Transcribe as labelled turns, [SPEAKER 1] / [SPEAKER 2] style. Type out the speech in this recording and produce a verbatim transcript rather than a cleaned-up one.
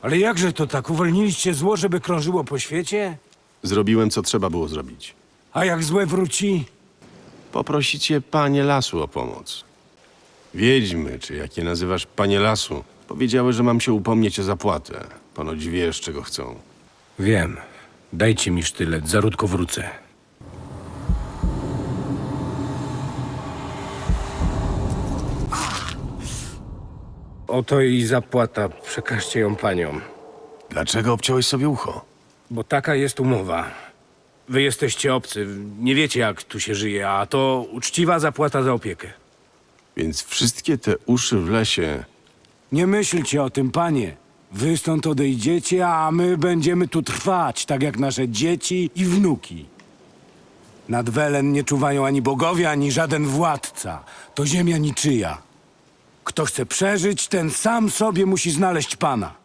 [SPEAKER 1] Ale jakże to tak? Uwolniliście zło, żeby krążyło po świecie?
[SPEAKER 2] Zrobiłem, co trzeba było zrobić.
[SPEAKER 1] A jak złe wróci?
[SPEAKER 2] Poprosicie panie lasu o pomoc. Wiedźmy, czy jak je nazywasz panie lasu, powiedziały, że mam się upomnieć o zapłatę. Ponoć wiesz, czego chcą.
[SPEAKER 1] Wiem. Dajcie mi sztylet, zaródko wrócę. Oto i zapłata. Przekażcie ją paniom.
[SPEAKER 2] Dlaczego obciąłeś sobie ucho?
[SPEAKER 1] Bo taka jest umowa. Wy jesteście obcy, nie wiecie jak tu się żyje, a to uczciwa zapłata za opiekę.
[SPEAKER 2] Więc wszystkie te uszy w lesie...
[SPEAKER 1] Nie myślcie o tym, panie. Wy stąd odejdziecie, a my będziemy tu trwać, tak jak nasze dzieci i wnuki. Nad Welen nie czuwają ani bogowie, ani żaden władca. To ziemia niczyja. Kto chce przeżyć, ten sam sobie musi znaleźć pana.